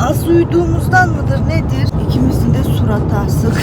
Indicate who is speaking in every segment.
Speaker 1: Az uyuduğumuzdan mıdır nedir? İkimizin de suratı asık.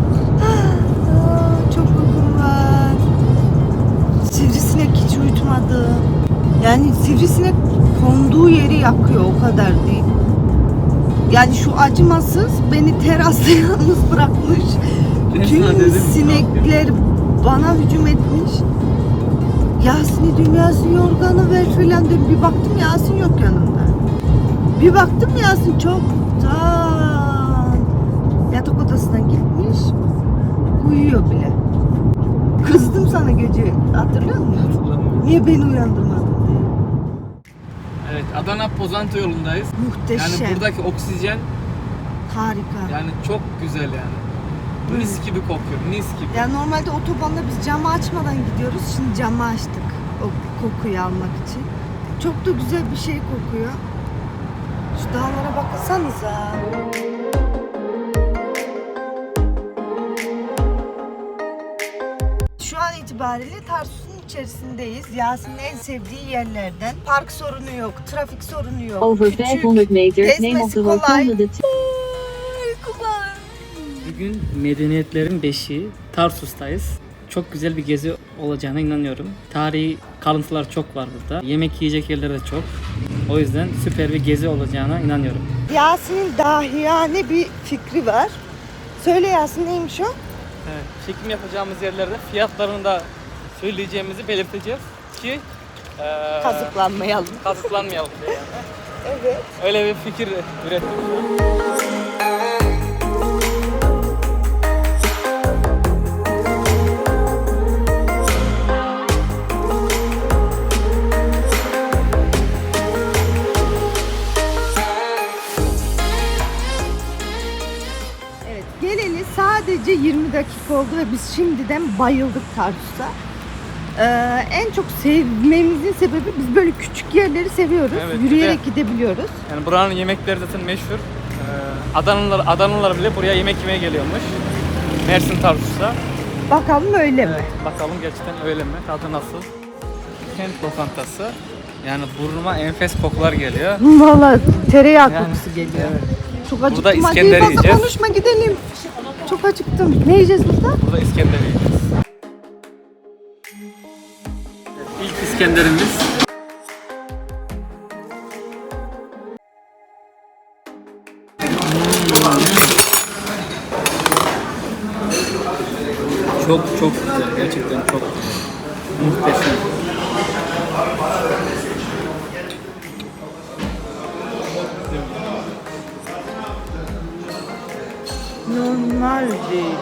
Speaker 1: Çok uykum var. Sivrisinek hiç uyutmadı. Yani sivrisinek konduğu yeri yakıyor, o kadar değil. Yani şu acımasız beni terasta yalnız bırakmış. Tüm sinekler bana hücum etmiş. Yasin'i diyorum, Yasin yorganı ver filan diyorum. Bir baktım Yasin yok yanımda. Bir baktım Yasin çoktan yatak odasına gitmiş. Uyuyor bile. Kızdım sana gece, hatırlıyor musun? Niye beni uyandırmadın diye.
Speaker 2: Evet, Adana Pozantı yolundayız.
Speaker 1: Muhteşem.
Speaker 2: Yani buradaki oksijen
Speaker 1: Harika.
Speaker 2: yani çok güzel yani. Mis gibi kokuyor, mis gibi.
Speaker 1: Ya normalde otobanda biz camı açmadan gidiyoruz. Şimdi camı açtık o kokuyu almak için. Çok da güzel bir şey kokuyor. Şu dağlara baksanıza. Şu an itibariyle Tarsus'un içerisindeyiz. Yasin'in en sevdiği yerlerden. Park sorunu yok, trafik sorunu yok.
Speaker 3: Over 500 meters, name of the
Speaker 1: kolay.
Speaker 3: volcano.
Speaker 1: Uykular.
Speaker 4: Bugün medeniyetlerin beşiği Tarsus'tayız. Çok güzel bir gezi olacağına inanıyorum. Tarihi kalıntılar çok var burada. Yemek yiyecek yerleri de çok. O yüzden süper bir gezi olacağına inanıyorum.
Speaker 1: Yasin'in dahiyane bir fikri var. Söyle Yasin, neymiş o?
Speaker 2: Evet, çekim yapacağımız yerlerde fiyatlarını da söyleyeceğimizi belirteceğiz ki
Speaker 1: Kazıklanmayalım.
Speaker 2: kazıklanmayalım diye yani.
Speaker 1: Evet.
Speaker 2: Öyle bir fikir ürettik.
Speaker 1: Evet, geleli sadece 20 dakika oldu ve biz şimdiden bayıldık Tarsus'a. En çok sevmemizin sebebi, biz böyle küçük yerleri seviyoruz.
Speaker 2: Evet,
Speaker 1: Yürüyerek gidebiliyoruz.
Speaker 2: Yani buranın yemekleri zaten meşhur. Adanalılar bile buraya yemek yemeye geliyormuş. Mersin Tarsus'a.
Speaker 1: Bakalım öyle mi?
Speaker 2: Evet, bakalım gerçekten öyle mi? Tadı nasıl? Kent lokantası. Yani burnuma enfes kokular geliyor.
Speaker 1: Valla tereyağı
Speaker 2: Yani,
Speaker 1: kokusu geliyor.
Speaker 2: evet.
Speaker 1: Çok acıktım.
Speaker 2: Burada
Speaker 1: Hadi
Speaker 2: İskender
Speaker 1: fazla
Speaker 2: yiyeceğiz.
Speaker 1: konuşma, gidelim. Çok acıktım. Ne yiyeceğiz burada?
Speaker 2: Burada İskender yiyeceğiz. İlk İskenderimiz. Çok güzel. Gerçekten çok muhteşem.
Speaker 1: Normal değil.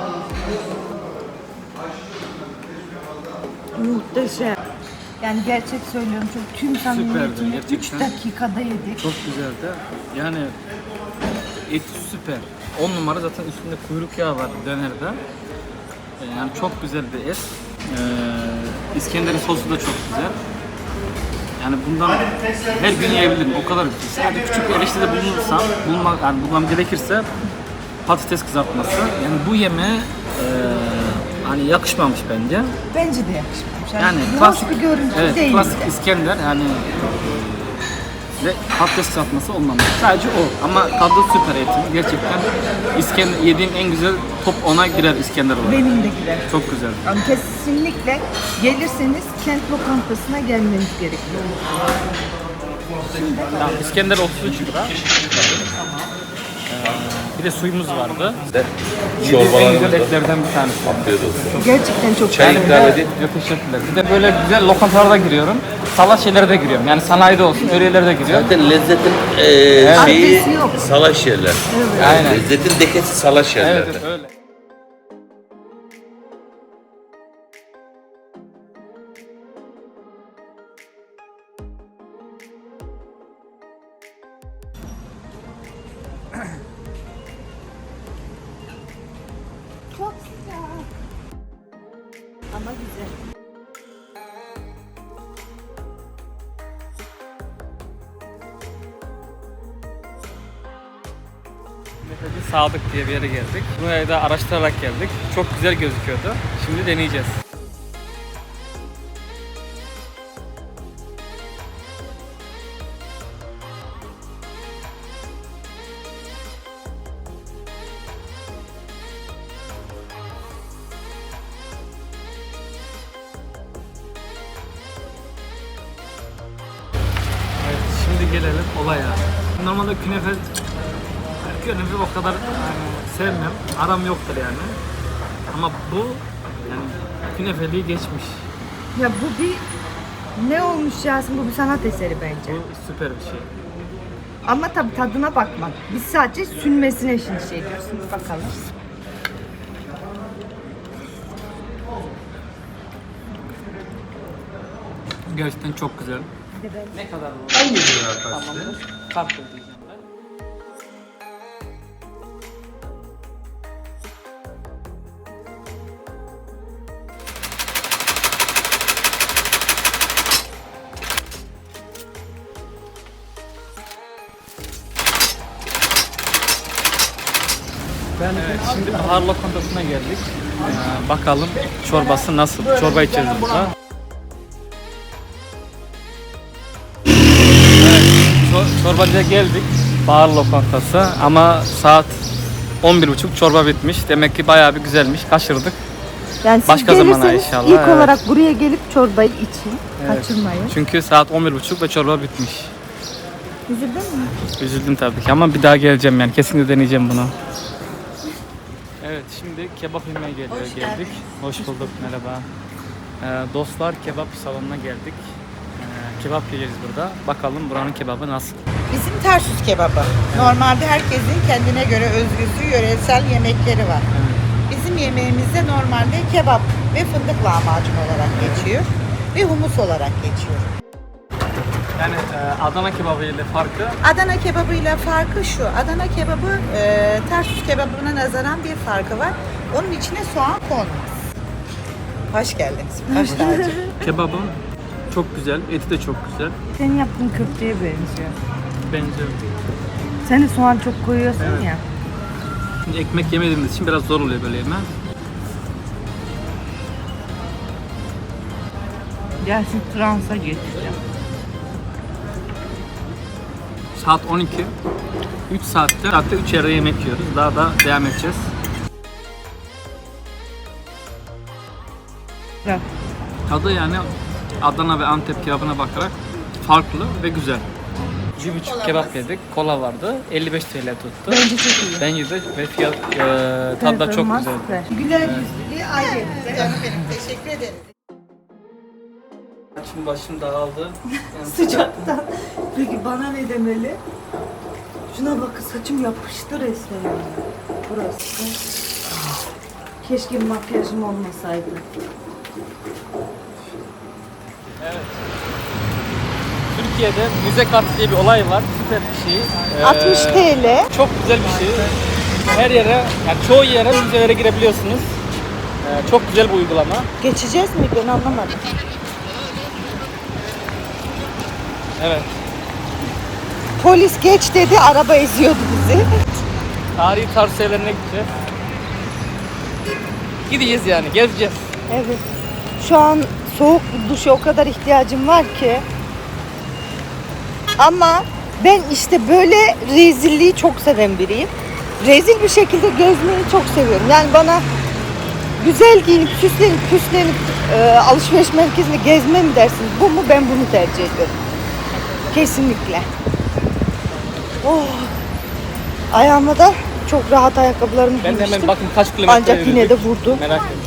Speaker 1: Muhteşem. Yani gerçek söylüyorum, çok tüm samimiyetimle 3
Speaker 2: gerçekten.
Speaker 1: dakikada yedik.
Speaker 2: Çok güzeldi. Yani et süper. 10 numara, zaten üstünde kuyruk yağı var dönerde. Yani çok güzel bir et. İskender'in sosu da çok güzel. Yani bundan her gün yiyebilirim. O kadar güzel. Sadece küçük bir eleştiride bulmam gerekirse patates kızartması. Yani bu yemeğe hani yakışmamış bence.
Speaker 1: Bence de yakışmamış.
Speaker 2: Yani
Speaker 1: hoş
Speaker 2: klasik
Speaker 1: bir görüntü
Speaker 2: evet,
Speaker 1: değil.
Speaker 2: klasik İskender yani ve patates kızartması olmamış. Sadece o. Ama tadı süper etin. Gerçekten İskender yediğim en güzel top 10'a girer İskender olarak.
Speaker 1: Benim de gider.
Speaker 2: Çok güzel.
Speaker 1: Ama kesinlikle gelirseniz kent lokantasına gelmeniz gerekiyor.
Speaker 2: Tamam, İskender 33 lira. Bir de suyumuz vardı. Yediğim en güzel etlerden bir tanesi.
Speaker 1: Gerçekten çok
Speaker 5: Çay
Speaker 1: güzel.
Speaker 5: ikram edin.
Speaker 2: Yok, teşekkürler. Bir de böyle güzel lokantalara giriyorum. Salaş şeylere de giriyorum. Yani sanayide olsun, öyle yerlere de giriyorum.
Speaker 5: Zaten lezzetin şeyi
Speaker 1: Adresi yok.
Speaker 5: salaş yerler.
Speaker 2: Aynen.
Speaker 5: Lezzetin dekesi salaş yerlerde.
Speaker 2: Evet, öyle.
Speaker 1: Çok güzel. Ama güzel.
Speaker 2: Metacı Sadık diye bir yere geldik. Buraya da araştırarak geldik. Çok güzel gözüküyordu. Şimdi deneyeceğiz. gelelim olaya. Normalde künefe o kadar yani sevmem. Aram yoktur yani. Ama bu yani künefeliği geçmiş.
Speaker 1: Ya bu bir ne olmuş Yasin? Bu bir sanat eseri bence.
Speaker 2: Bu süper bir şey.
Speaker 1: Ama tabii tadına bakmak. Biz sadece sünmesine şimdi şey diyoruz. Bakalım.
Speaker 2: Gerçekten çok güzel. Ne kadar bu?
Speaker 5: Hangi bir
Speaker 2: Tamamdır. Kart ödeyeceğim ben. Evet, şimdi bahar lokantasına geldik. Bakalım çorbası nasıl? Çorba içeceğiz burada. Evet, çorbacıya geldik. Bahar lokantası ama saat 11.30 çorba bitmiş. Demek ki bayağı bir güzelmiş. Kaçırdık.
Speaker 1: Yani siz
Speaker 2: Başka zamana
Speaker 1: gelirseniz
Speaker 2: inşallah,
Speaker 1: ilk
Speaker 2: evet.
Speaker 1: olarak buraya gelip çorbayı için.
Speaker 2: Evet.
Speaker 1: Kaçırmayın.
Speaker 2: Çünkü saat 11.30 ve çorba bitmiş.
Speaker 1: Üzüldün mü?
Speaker 2: Üzüldüm tabii ki ama bir daha geleceğim yani. Kesinlikle deneyeceğim bunu. Evet, şimdi kebap yemeye geldik. Hoş bulduk, merhaba. Dostlar kebap salonuna geldik. Kebap yiyeceğiz burada. Bakalım buranın kebabı nasıl?
Speaker 6: Bizim Tarsus kebabı. Normalde herkesin kendine göre özgüsü, yöresel yemekleri var. Bizim yemeğimizde normalde kebap ve fındık lahmacun olarak geçiyor ve humus olarak geçiyor.
Speaker 2: Yani Adana kebabı ile farkı
Speaker 6: Adana kebabıyla farkı şu. Adana kebabı Tarsus kebabına nazaran bir farkı var. Onun içine soğan konmaz. Hoş geldiniz. Hoş tacı.
Speaker 2: kebabın çok güzel, eti de çok güzel.
Speaker 1: Senin yaptığın köfteye benziyor.
Speaker 2: Benziyor.
Speaker 1: Sen de soğan çok koyuyorsun ya.
Speaker 2: Şimdi ekmek yemediğimiz için biraz zor oluyor böyle yeme.
Speaker 1: Gelsin transa geçeceğim.
Speaker 2: Saat 12. 3 saatte 3 yerde yemek yiyoruz. Daha da devam edeceğiz.
Speaker 1: Bırak.
Speaker 2: Tadı yani Adana ve Antep kebabına bakarak farklı ve güzel. 1,5 kebap yedik. Kola vardı. 55 TL tuttu.
Speaker 1: Bence çok iyi.
Speaker 2: Bence de ve fiyat tadı da çok
Speaker 1: Performans
Speaker 2: güzel.
Speaker 1: süper. Güler yüzlülüğü ayrı.
Speaker 6: Canım benim, teşekkür ederim.
Speaker 2: Şimdi başım dağıldı.
Speaker 1: Sıcaktan. Peki bana ne demeli? Şuna bak, saçım yapıştı resmen yani. Burası. Keşke makyajım olmasaydı.
Speaker 2: Türkiye'de müze kartı diye bir olay var. Süper bir şey.
Speaker 1: 60 TL.
Speaker 2: Çok güzel bir şey. Her yere, yani çoğu yere müzelere girebiliyorsunuz. Çok güzel bir uygulama.
Speaker 1: Geçeceğiz mi? Ben anlamadım.
Speaker 2: Evet.
Speaker 1: Polis geç dedi, araba eziyordu bizi.
Speaker 2: Tarihi tarz şeylerine gideceğiz. Gideceğiz yani, gezeceğiz.
Speaker 1: Evet. Şu an soğuk duşa o kadar ihtiyacım var ki. Ama ben işte böyle rezilliği çok seven biriyim. Rezil bir şekilde gezmeyi çok seviyorum. Yani bana güzel giyinip süslenip alışveriş merkezinde gezme mi dersiniz? Bu mu? Ben bunu tercih ediyorum. Kesinlikle. Oh. Ayağıma da çok rahat ayakkabılarımı
Speaker 2: Ben de
Speaker 1: giymiştim.
Speaker 2: hemen bakın kaç kilometre
Speaker 1: Ancak yine de vurdu.
Speaker 2: Merak ettim.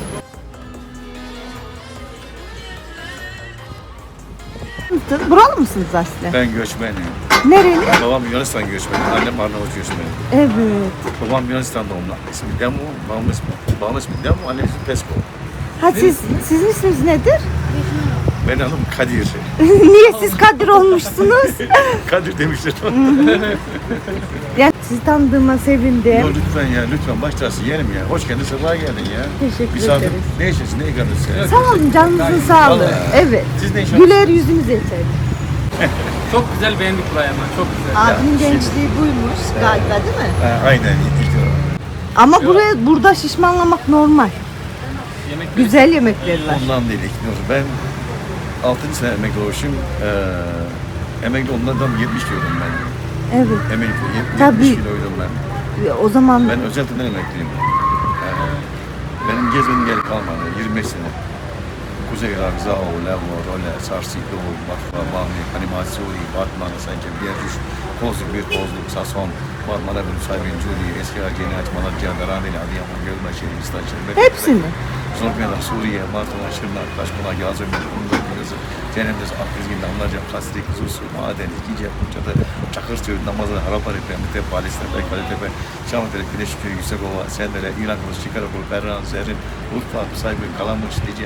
Speaker 1: Buralı mısınız Aslı?
Speaker 5: Ben göçmenim.
Speaker 1: Nereli?
Speaker 5: Babam Yunanistan göçmeni, annem Arnavut göçmeni.
Speaker 1: Evet.
Speaker 5: Babam Yunanistan doğumlu. İsmi Demo, babamın ismi Demo, annem ismi Pesko.
Speaker 1: Ha sizin isminiz nedir?
Speaker 5: Benim adım Kadir.
Speaker 1: Niye siz Kadir olmuşsunuz?
Speaker 5: Kadir demişler.
Speaker 1: Yani sizi tanıdığıma sevindim.
Speaker 5: Yo, lütfen ya, lütfen baş tacısın yeğenim ya. Hoş geldin, sefa geldin ya.
Speaker 1: Teşekkür
Speaker 5: Misafir,
Speaker 1: ederiz.
Speaker 5: ne içersin, ne yıkanırsın?
Speaker 1: Sağ olun, canınızın sağlığı.
Speaker 5: Vallahi.
Speaker 1: Evet.
Speaker 5: Siz ne iş
Speaker 1: Güler yüzünüz yeter.
Speaker 2: Çok güzel, beğendik burayı ama çok güzel.
Speaker 1: Abinin gençliği buymuş galiba, değil mi?
Speaker 5: Aynen.
Speaker 1: Ama burada şişmanlamak normal.
Speaker 2: Yemek
Speaker 1: Güzel yemekler var.
Speaker 5: Ondan değil, ikniyorum. Ben 6. sene emekli olmuşum. Emekli onlardan 70 kiloydum ben.
Speaker 1: Evet.
Speaker 5: Emekli 70
Speaker 1: Tabii.
Speaker 5: kiloydum ben.
Speaker 1: O zaman
Speaker 5: Ben özellikle emekliyim. Benim gezmedim gelip kalmadı. 25 sene. Kuzey Irak, Zaho, Levo, Role, Sarsilo, Batfa, Bahmi, Animasyoni, Batman, Sence, Bierjuş, Kozluk, Bir Kozluk, Sason, Marmara, Saybin, Cudi, Eski Ergeni, Malatya, Darandeli, Adıyaman, Gölbaşı, İstanbul,
Speaker 1: Hepsini.
Speaker 5: Zorbayalar, Suriye, Martona, Şırnak, Taşkonak, Yazömür, Kumdur, Kırızı, Cennemdez, Akrizgin, Damlaca, Kasrik, Zusu, Maden, İkice, Kumçadı, Çakırköy, Namazı, Haraparepe, Mite, Palistepe, Kalitepe, Şamatere, Güneşköy, Yüksekova, Sendere, İran Kılıç, Çikarakol, Berran, Zerrin, Urfa, Saybin, Kalamış, Dice.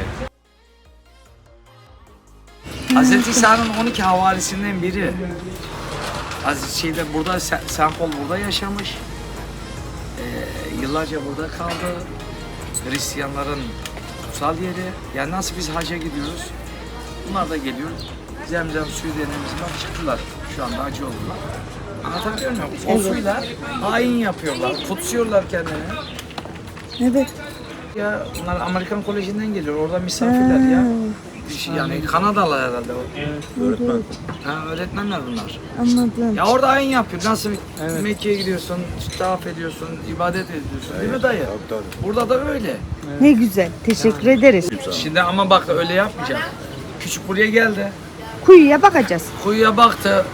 Speaker 2: Hazreti İsa'nın 12 havarisinden biri. Hazreti burada, St. Paul burada yaşamış. Yıllarca burada kaldı. Hristiyanların kutsal yeri. Yani nasıl biz hacca gidiyoruz? Bunlar da geliyor. Zemzem suyu denemiz var. Çıktılar. Şu anda hacı oldular. Anlatabiliyor muyum? O suyla ayin yapıyorlar. Kutsuyorlar kendilerini.
Speaker 1: Evet.
Speaker 2: Ya bunlar Amerikan Koleji'nden geliyor. Orada misafirler ya. Yani Kanadalı herhalde o.
Speaker 5: Öğretmen.
Speaker 2: Ha, öğretmenler bunlar.
Speaker 1: Anladım.
Speaker 2: Ya orada ayin yapıyor. Nasıl Mekke'ye gidiyorsun, tavaf ediyorsun, ibadet ediyorsun. Değil mi dayı? Burada da öyle.
Speaker 1: Ne güzel. Teşekkür ederiz.
Speaker 2: Şimdi ama bak öyle yapmayacak. Küçük buraya geldi.
Speaker 1: Kuyuya bakacağız.
Speaker 2: Kuyuya baktı.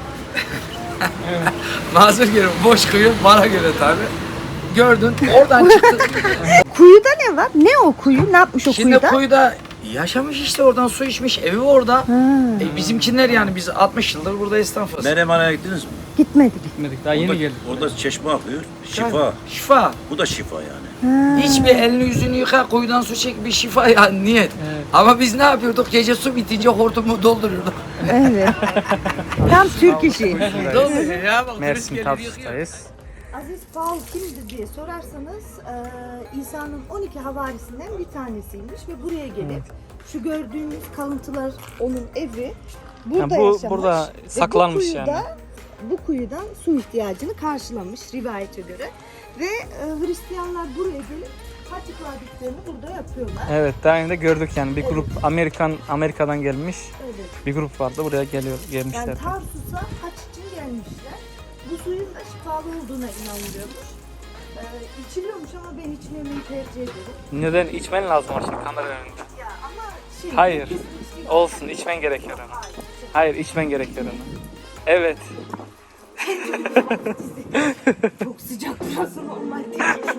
Speaker 2: Mazur göre boş kuyu bana göre tabi. Gördün oradan çıktı.
Speaker 1: Kuyuda ne var? Ne o kuyu? Ne yapmış o
Speaker 2: Şimdi
Speaker 1: kuyuda?
Speaker 2: kuyuda yaşamış işte oradan su içmiş evi orada.
Speaker 1: Ha,
Speaker 2: Bizimkiler yani biz 60 yıldır burada esnafız.
Speaker 5: Menemen'e gittiniz mi?
Speaker 1: gitmedik.
Speaker 4: Gitmedik. Daha yeni geldik.
Speaker 5: Orada çeşme akıyor. Şifa.
Speaker 2: Şifa.
Speaker 5: Bu da şifa yani.
Speaker 2: Hiç bir elini yüzünü yıka kuyudan su çek bir şifa yani niyet. Ama biz ne yapıyorduk? Gece su bitince hortumu dolduruyorduk.
Speaker 1: Evet. Tam Türk işi.
Speaker 2: Dolduruyor ya bak.
Speaker 4: Mersin Tarsus'tayız.
Speaker 1: Aziz Paul kimdir diye sorarsanız İsa'nın 12 havarisinden bir tanesiymiş ve buraya gelip şu gördüğünüz kalıntılar onun evi. Burada
Speaker 4: Yani bu
Speaker 1: yaşamış.
Speaker 4: burada
Speaker 1: ve
Speaker 4: saklanmış
Speaker 1: bu kuyuda,
Speaker 4: yani.
Speaker 1: Bu kuyudan su ihtiyacını karşılamış rivayete göre. Ve Hristiyanlar buraya gelip hac ibadetlerini burada yapıyorlar.
Speaker 4: Evet, daha önce gördük yani bir grup Amerika'dan gelmiş
Speaker 1: Evet.
Speaker 4: bir grup vardı buraya gelmişler.
Speaker 1: Yani Tarsus'a hac için gelmişler. Bu suyun da şifalı olduğuna inanılıyormuş. İçiliyormuş ama ben içmemeyi tercih ederim.
Speaker 4: Neden içmen lazım o şimdi kamera önünde?
Speaker 1: Ya ama şey...
Speaker 4: Hayır.
Speaker 1: kesinlikle-
Speaker 4: Olsun, içmen gerekiyor onu. Hayır, içmen gerekiyor onu. Evet.
Speaker 1: Çok sıcak burası normal değil.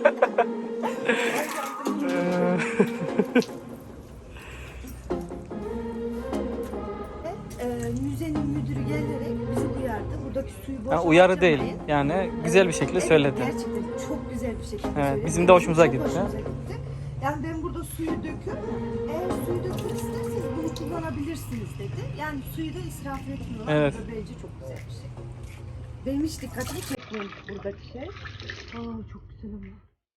Speaker 1: Müzenin müdürü gelerek bizi uyardı. Buradaki suyu boş
Speaker 4: Uyarı değil.
Speaker 1: harcamayın.
Speaker 4: Yani güzel bir şekilde söyledi.
Speaker 1: Gerçekten çok güzel bir şekilde
Speaker 4: Evet,
Speaker 1: söyledi.
Speaker 4: bizim de hoşumuza
Speaker 1: Çok
Speaker 4: gitti.
Speaker 1: hoşumuza gitti. Yani ben burada suyu döküyorum. Eğer suyu dökmek isterseniz bunu kullanabilirsiniz dedi. Yani suyu da israf etmiyorlar.
Speaker 4: Evet.
Speaker 1: Bu da bence çok güzel bir şey. Benim hiç dikkatimi çekmemiş buradaki şey. Aa, çok güzel ama.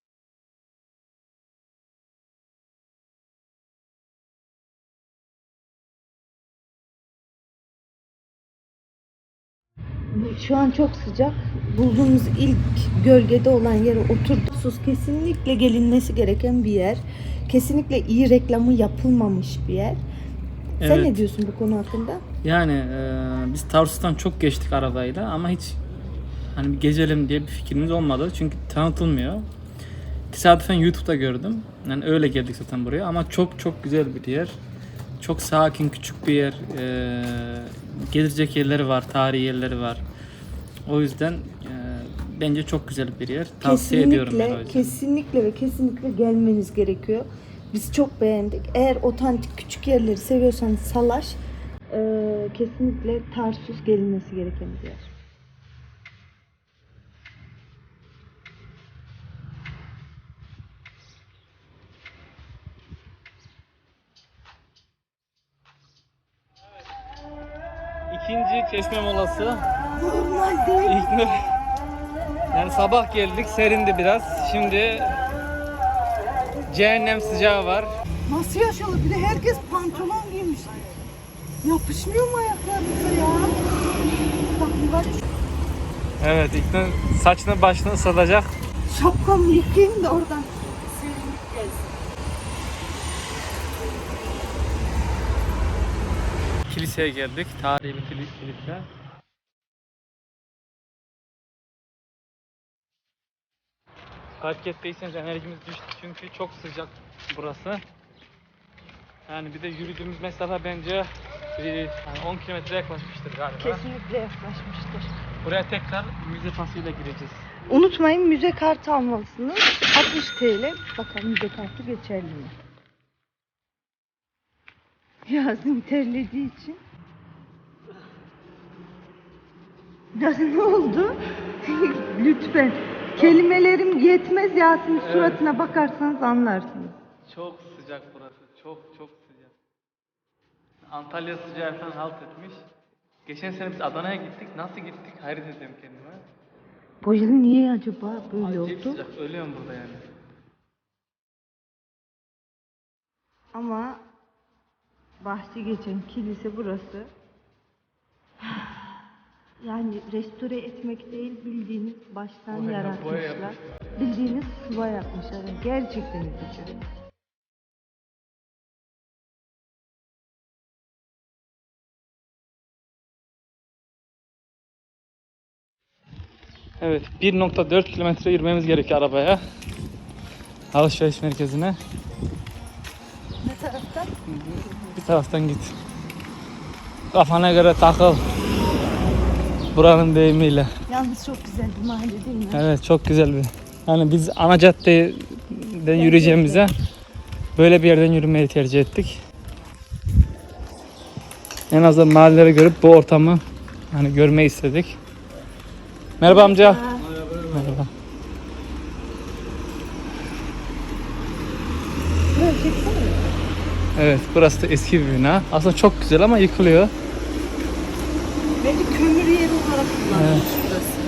Speaker 1: Şu an çok sıcak. Bulduğumuz ilk gölgede olan yere oturduk. Sus kesinlikle gelinmesi gereken bir yer. Kesinlikle iyi reklamı yapılmamış bir yer. Sen
Speaker 4: Evet.
Speaker 1: ne diyorsun bu konu hakkında?
Speaker 4: Yani biz Tarsus'tan çok geçtik arabayla ama hiç hani bir gezelim diye bir fikrimiz olmadı. Çünkü tanıtılmıyor. Tesadüfen YouTube'da gördüm. Yani öyle geldik zaten buraya ama çok çok güzel bir yer. Çok sakin, küçük bir yer. Gezilecek yerleri var, tarihi yerleri var. O yüzden bence çok güzel bir yer. Tavsiye ediyorum ben o yüzden.
Speaker 1: Kesinlikle ve kesinlikle gelmeniz gerekiyor. Biz çok beğendik. Eğer otantik küçük yerleri seviyorsanız Salaş, kesinlikle Tarsus gelinmesi gereken bir yer.
Speaker 4: İkinci çeşme molası.
Speaker 1: Normal değil.
Speaker 4: Yani sabah geldik, serindi biraz. Şimdi cehennem sıcağı var.
Speaker 1: Nasıl yaşalı? Bir de herkes pantolon giymiş. Yapışmıyor mu ayaklarınıza ya? Bak bir var ya,
Speaker 4: Evet, İlknur saçını başını ıslatacak.
Speaker 1: şapkamı yıkayayım da oradan. Serinlik gelsin.
Speaker 4: Kiliseye geldik. Tarihi bir kilise. Fark ettiyseniz enerjimiz düştü çünkü çok sıcak burası. Yani bir de yürüdüğümüz mesafe bence yani 10 kilometre yaklaşmıştır galiba.
Speaker 1: Kesinlikle yaklaşmıştır.
Speaker 4: Buraya tekrar müze pasıyla gireceğiz.
Speaker 1: Unutmayın, müze kartı almalısınız. 60 TL. Bakalım müze kartı geçerli mi? Yasin terlediği için. Yasin ne oldu? Lütfen. Kelimelerim yetmez Yasin'in suratına bakarsanız anlarsınız.
Speaker 4: Çok sıcak burası. Çok sıcak. Antalya sıcağından halt etmiş. Geçen sene biz Adana'ya gittik. Nasıl gittik? Hayret ediyorum kendime.
Speaker 1: Bu yıl niye acaba böyle
Speaker 4: Acayip
Speaker 1: oldu?
Speaker 4: sıcak. Ölüyorum burada yani.
Speaker 1: Ama bahsi geçen kilise burası. Yani restore etmek değil, bildiğiniz baştan
Speaker 4: Boya
Speaker 1: yaratmışlar.
Speaker 4: yapmışlar.
Speaker 1: Bildiğiniz sıva yapmışlar. Yani gerçekten üzücü.
Speaker 4: Evet, 1.4 kilometre yürümemiz gerekiyor arabaya. Alışveriş merkezine.
Speaker 1: Ne taraftan?
Speaker 4: Bir taraftan git. Kafana göre takıl. Buranın deyimiyle.
Speaker 1: Yalnız çok güzel bir mahalle değil mi?
Speaker 4: Evet, çok güzel bir. Yani biz ana caddeden yürüyeceğimize böyle bir yerden yürümeyi tercih ettik. En azından mahalleleri görüp bu ortamı hani görmeyi istedik. Merhaba amca. Merhaba.
Speaker 1: Böyle çeksene.
Speaker 4: Evet, burası da eski bir bina. Aslında çok güzel ama yıkılıyor.
Speaker 1: Belki kömür yeri olarak kullanılmış burası.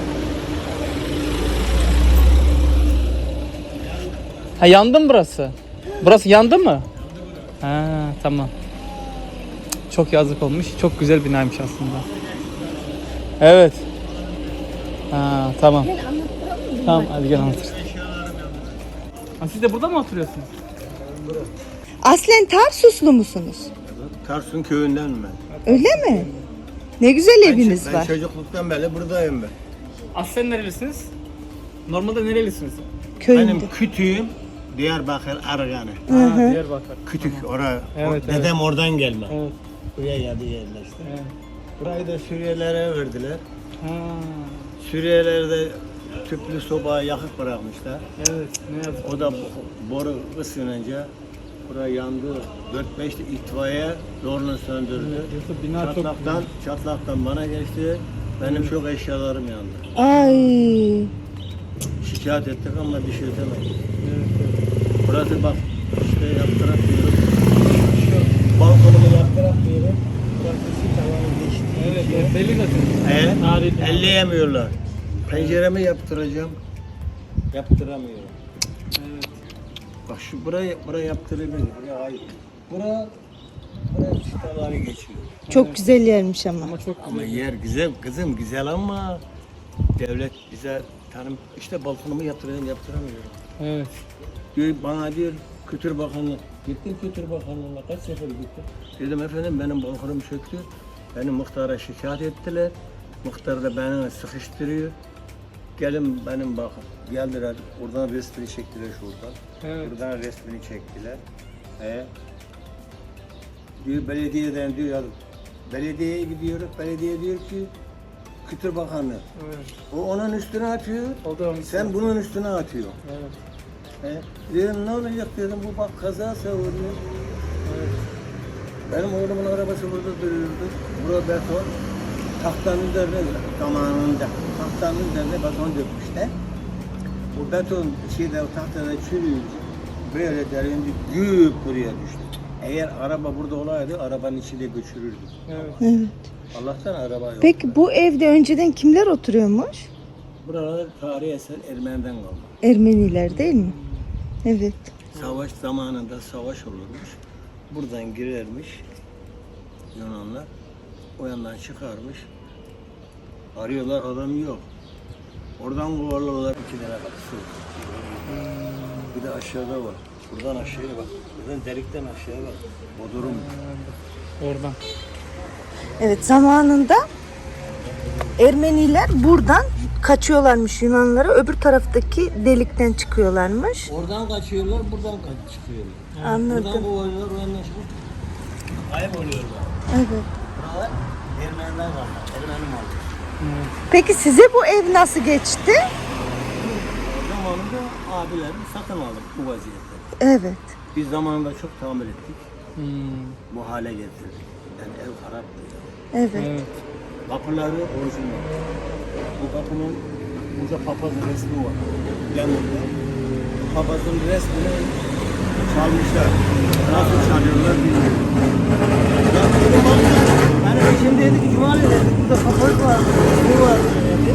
Speaker 4: Ha, yandı mı burası? Burası yandı mı? Ha, tamam. Çok yazık olmuş. Çok güzel binaymış aslında. Evet. Ha, tamam.
Speaker 1: Gel anlattıralım mı?
Speaker 4: Tamam, hadi gel anlatır. Ha, siz de burada mı oturuyorsunuz?
Speaker 1: Aslen Tarsuslu musunuz?
Speaker 7: Tarsus'un köyünden ben.
Speaker 1: Öyle mi? Ne güzel eviniz
Speaker 7: Ben
Speaker 1: var.
Speaker 7: çocukluktan beri buradayım ben.
Speaker 4: Aslen nerelisiniz? Normalde nerelisiniz?
Speaker 1: Köyünde.
Speaker 7: Benim kütüğüm Diyarbakır Arganı.
Speaker 4: Ha, Diyarbakır.
Speaker 7: Kütük oraya.
Speaker 4: Evet, evet.
Speaker 7: Dedem oradan gelme.
Speaker 4: Evet.
Speaker 7: Buraya geldi yerleşti.
Speaker 4: Evet.
Speaker 7: Burayı da Suriyelilere verdiler.
Speaker 4: Ha,
Speaker 7: Suriyeliler de tüplü soba yakıp bırakmışlar.
Speaker 4: evet. Ne yazık.
Speaker 7: O da boru ısınınca buraya yandı. 4-5 de itfaiye zorla söndürdü.
Speaker 4: Yoksa bina çok
Speaker 7: Çatlaktan bana geçti. Benim çok eşyalarım yandı.
Speaker 1: Ay.
Speaker 7: Şikayet ettik ama bir şey demedik. Burası bak işte yaptırak diyorum. Şu balkonumu yaptırak diyorum. Burası şu tavanı geçti.
Speaker 4: Evet, evet. Belli zaten. Tarihi.
Speaker 7: Elleyemiyorlar. Penceremi yaptıracağım. Yaptıramıyorum.
Speaker 4: Evet.
Speaker 7: Bak şu buraya yaptırabilir. Buraya hayır. Buraya şu tavanı geçiyor.
Speaker 1: Çok güzel yermiş ama.
Speaker 4: Ama çok
Speaker 7: Ama yer güzel kızım güzel ama devlet bize tanım işte balkonumu yaptıramıyorum.
Speaker 4: Evet.
Speaker 7: Diyor, bana diyor Kültür Bakanlığı. Gittim Kültür Bakanlığı'na kaç sefer gittim. Dedim efendim benim balkonum çöktü. Beni muhtara şikayet ettiler. Muhtar da beni sıkıştırıyor. Gelin benim bakın. Geldiler oradan resmini çektiler şuradan.
Speaker 4: Evet.
Speaker 7: Buradan resmini çektiler. Diyor belediyeden diyor ya belediyeye gidiyoruz. Belediye diyor ki Kültür Bakanlığı.
Speaker 4: Evet.
Speaker 7: O onun üstüne atıyor.
Speaker 4: O da onun
Speaker 7: Sen bunun üstüne atıyor.
Speaker 4: Evet.
Speaker 7: Dedim ne olacak dedim bu bak kaza oluyor. Benim oğlumun arabası burada duruyordu. Burada beton tahtanın üzerine zamanında tahtanın üzerine beton dökmüşler. Bu beton şeyde tahtada çürüyünce böyle derindi güp buraya düştü. Eğer araba burada olaydı arabanın içinde göçürürdü.
Speaker 4: Evet.
Speaker 1: Evet.
Speaker 7: Allah'tan araba yok.
Speaker 1: Peki bu evde önceden kimler oturuyormuş?
Speaker 7: Buralar tarihi eser Ermeni'den kalma.
Speaker 1: Ermeniler değil mi? Evet.
Speaker 7: Savaş zamanında savaş olurmuş. Buradan girermiş Yunanlar. O yandan çıkarmış. Arıyorlar adam yok. Oradan kovalıyorlar 2 lira bak su. Bir de aşağıda var. Buradan aşağıya bak. Buradan delikten aşağıya bak. Bodrum.
Speaker 4: Oradan.
Speaker 1: Evet, zamanında Ermeniler buradan kaçıyorlarmış Yunanlara, öbür taraftaki delikten çıkıyorlarmış.
Speaker 7: Oradan kaçıyorlar, buradan çıkıyorlar. Buradan
Speaker 1: Anladım.
Speaker 7: kovalıyorlar, o yandan çıkıyor. Kayıp oluyorlar.
Speaker 1: Evet.
Speaker 7: Buralar Ermeniler var. Ermeni malı.
Speaker 1: Peki size bu ev nasıl geçti?
Speaker 7: O zamanında abilerim satın aldık bu vaziyette.
Speaker 1: Evet.
Speaker 7: Biz zamanında çok tamir ettik.
Speaker 4: Hmm.
Speaker 7: Bu hale getirdik. Yani ev haraptı.
Speaker 1: Evet.
Speaker 4: Evet.
Speaker 7: Kapıları orijinal. Bu kapının burada papazın resmi var. Yanında. Papazın resmini çalmışlar. Nasıl çalıyorlar bilmiyorum. Ya dedim bak, yani eşim dedi ki Cumali dedi, burada papaz var, resmi var dedi.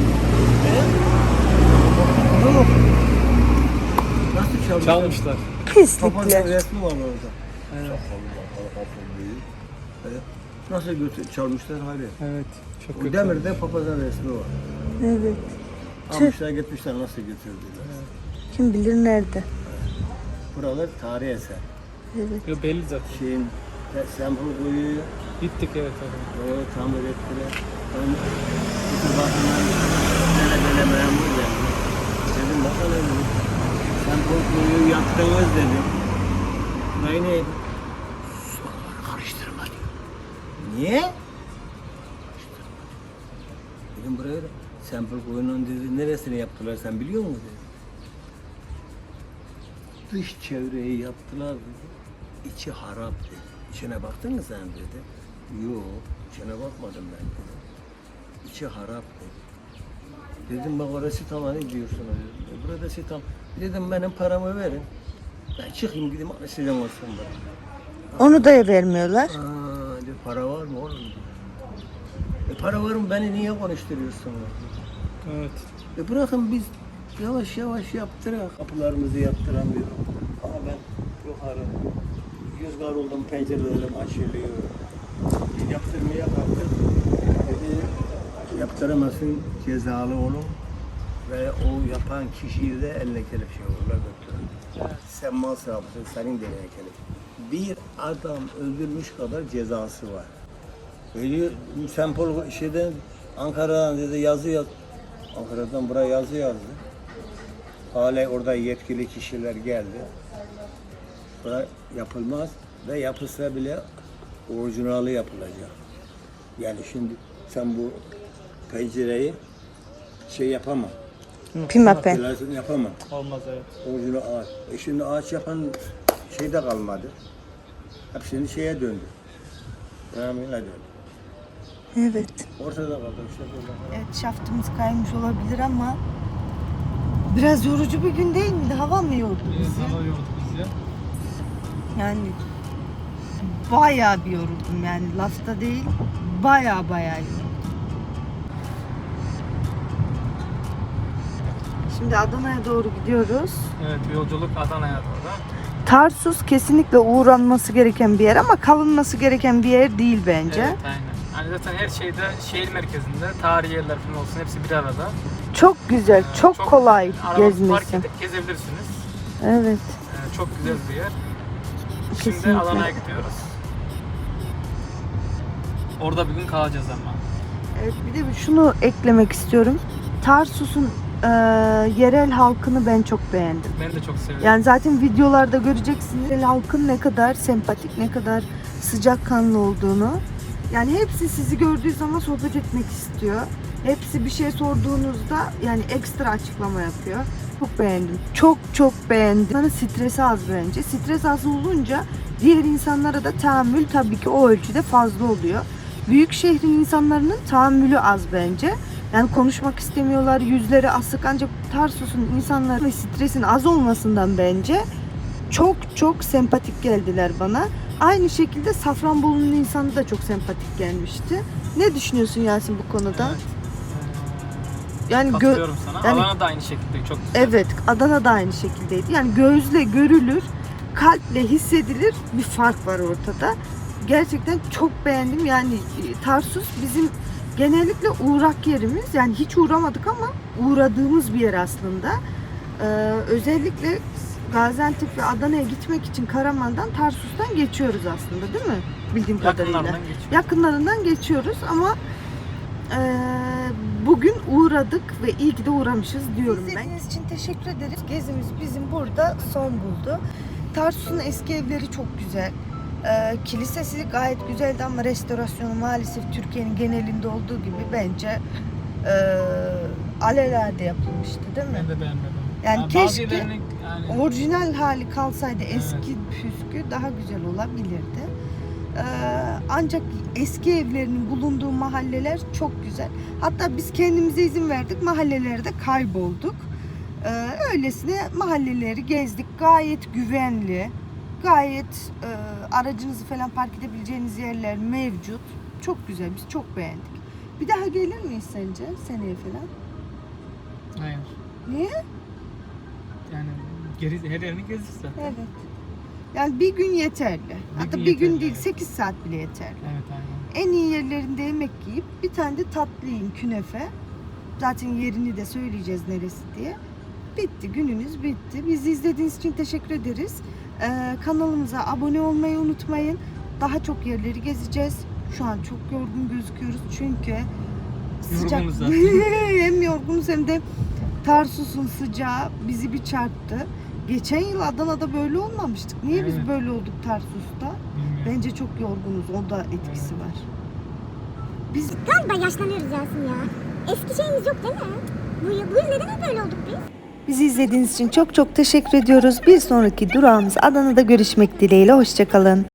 Speaker 7: Yok. Nasıl çalmışlar?
Speaker 4: Çalmışlar.
Speaker 7: Papazın
Speaker 1: Pislikler.
Speaker 7: resmi var orada. Evet. Evet. Nasıl çalmışlar hali?
Speaker 4: Evet. Çok
Speaker 7: O
Speaker 4: kötü.
Speaker 7: demirde papazın resmi var.
Speaker 1: Evet.
Speaker 7: Almışlar gitmişler nasıl götürdüler.
Speaker 1: Kim bilir nerede?
Speaker 7: Buralar tarihi eser.
Speaker 4: Yo, belli zaten.
Speaker 7: Şeyin Sembol Kuyu'yu
Speaker 4: Gittik evet abi.
Speaker 7: o tamir ettiler. Ben bütün bakanlar böyle memur geldi. Dedim bakalım Sembol Kuyu'yu yaptınız dedim. Burayı neydi? Suları karıştırma diyor. Niye? Dedim buraya da Sembol Kuyu'nun dedi neresini yaptılar sen biliyor musun dedi. Dış çevreyi yaptılar dedi. İçi harap dedi. İçine baktın mı sen dedi. Yok, içine bakmadım ben dedi. İçi harap dedi. Dedim bak orası tamam ne diyorsun dedim. Burada tam. Dedim benim paramı verin. Ben çıkayım gideyim sizden olsun bana.
Speaker 1: Onu da vermiyorlar.
Speaker 7: Aa, diyor, para var mı oğlum? Para var mı beni niye konuşturuyorsun?
Speaker 4: Evet.
Speaker 7: Bırakın biz yavaş yavaş yaptırak. Kapılarımızı yaptıramıyorum. Ama ben yukarı rüzgar oldum, pencerelerim açılıyor. Yaptırmaya kalktım. Dedi, yaptıramazsın cezalı olun. Ve o yapan kişiyi de eline kelepçe vururlar götürürler. Sen mal sahibsin, senin de eline kelepçe. Bir adam öldürmüş kadar cezası var. Öyle sempol şeyden Ankara'dan dedi yazı yaz. Ankara'dan buraya yazı yazdı. Hala orada yetkili kişiler geldi. Bura yapılmaz ve yapılsa bile orijinali yapılacak. Yani şimdi sen bu pencereyi şey yapamam.
Speaker 1: Pimapen.
Speaker 7: Pilasını yapamam.
Speaker 4: Olmaz evet.
Speaker 7: Orijinal ağaç. Şimdi ağaç yapan şey de kalmadı. Hepsini şeye döndü. Ramine döndü.
Speaker 1: Evet.
Speaker 7: Ortada kaldı işte böyle.
Speaker 1: Evet, şaftımız kaymış olabilir ama biraz yorucu bir gün değil miydi? Hava mı yordu bizi?
Speaker 4: Hava yordu bizi.
Speaker 1: Yani bayağı bir yoruldum yani lafta değil. Bayağı yoruldum. Şimdi Adana'ya doğru gidiyoruz.
Speaker 4: Evet yolculuk Adana'ya doğru.
Speaker 1: Tarsus kesinlikle uğranması gereken bir yer ama kalınması gereken bir yer değil bence.
Speaker 4: Evet aynen. Yani zaten her şeyde şehir merkezinde tarihi yerler falan olsun hepsi bir arada.
Speaker 1: Çok güzel, çok kolay
Speaker 4: arabanızı park
Speaker 1: gezmesi.
Speaker 4: edip gezebilirsiniz.
Speaker 1: Evet.
Speaker 4: Çok güzel bir yer. Şimdi
Speaker 1: Kesinlikle.
Speaker 4: Adana'ya gidiyoruz. Orada bir gün kalacağız ama.
Speaker 1: Evet, bir de şunu eklemek istiyorum. Tarsus'un yerel halkını ben çok beğendim.
Speaker 4: Ben de çok seviyorum.
Speaker 1: Yani zaten videolarda göreceksiniz yerel halkın ne kadar sempatik, ne kadar sıcakkanlı olduğunu. Yani hepsi sizi gördüğü zaman sohbet etmek istiyor. Hepsi bir şey sorduğunuzda yani ekstra açıklama yapıyor. Çok beğendim. Çok beğendim. İnsanın stresi az bence. Stres az olunca diğer insanlara da tahammül tabii ki o ölçüde fazla oluyor. Büyük şehrin insanların tahammülü az bence. Yani konuşmak istemiyorlar, yüzleri asık ancak Tarsus'un insanları ve stresin az olmasından bence çok sempatik geldiler bana. Aynı şekilde Safranbolu'nun insanı da çok sempatik gelmişti. Ne düşünüyorsun Yasin bu konuda?
Speaker 4: Evet.
Speaker 1: Yani
Speaker 4: Katılıyorum sana.
Speaker 1: yani-
Speaker 4: Adana da aynı şekilde çok güzel.
Speaker 1: Evet, Adana da aynı şekildeydi. Yani gözle görülür, kalple hissedilir bir fark var ortada. Gerçekten çok beğendim. Yani Tarsus bizim genellikle uğrak yerimiz. Yani hiç uğramadık ama uğradığımız bir yer aslında. Özellikle Gaziantep ve Adana'ya gitmek için Karaman'dan, Tarsus'tan geçiyoruz aslında değil mi? Bildiğim kadarıyla.
Speaker 4: Yakınlarından geçiyor.
Speaker 1: Yakınlarından geçiyoruz ama bugün uğradık ve iyi ki de uğramışız diyorum ben. İzlediğiniz için teşekkür ederiz. Gezimiz bizim burada son buldu. Tarsus'un eski evleri çok güzel. Kilisesi gayet güzeldi ama restorasyonu maalesef Türkiye'nin genelinde olduğu gibi bence alelade yapılmıştı değil mi?
Speaker 4: Ben de beğenmedim.
Speaker 1: Yani
Speaker 4: bazı
Speaker 1: keşke
Speaker 4: yerlerini yani
Speaker 1: orijinal hali kalsaydı eski püskü daha güzel olabilirdi. Ancak eski evlerinin bulunduğu mahalleler çok güzel. Hatta biz kendimize izin verdik, mahallelerde kaybolduk. Öylesine mahalleleri gezdik. Gayet güvenli, gayet aracınızı falan park edebileceğiniz yerler mevcut. Çok güzel, biz çok beğendik. Bir daha gelir miyiz sence seneye falan?
Speaker 4: hayır.
Speaker 1: Niye?
Speaker 4: Yani her yerini gezdik zaten.
Speaker 1: Evet. Yani bir gün yeterli. Hatta
Speaker 4: gün
Speaker 1: bir gün
Speaker 4: yeterli,
Speaker 1: değil,
Speaker 4: evet.
Speaker 1: 8 saat bile yeterli.
Speaker 4: Evet aynen.
Speaker 1: En iyi yerlerinde yemek yiyip bir tane de tatlı yiyin, künefe. Zaten yerini de söyleyeceğiz neresi diye. Bitti, gününüz bitti. Bizi izlediğiniz için teşekkür ederiz. Kanalımıza abone olmayı unutmayın. Daha çok yerleri gezeceğiz. Şu an çok yorgun gözüküyoruz çünkü sıcak.
Speaker 4: Yorgunuz zaten.
Speaker 1: Hem yorgunuz hem de Tarsus'un sıcağı bizi bir çarptı. Geçen yıl Adana'da böyle olmamıştık. Niye biz
Speaker 4: Evet.
Speaker 1: böyle olduk Tarsus'ta?
Speaker 4: Bilmiyorum.
Speaker 1: Bence çok yorgunuz. O da etkisi var. Biz
Speaker 8: Galiba yaşlanıyoruz Yasin ya. Eski şeyimiz yok değil mi? Bu yıl neden böyle olduk biz?
Speaker 1: Bizi izlediğiniz için çok çok teşekkür ediyoruz. Bir sonraki durağımız Adana'da görüşmek dileğiyle. Hoşça kalın.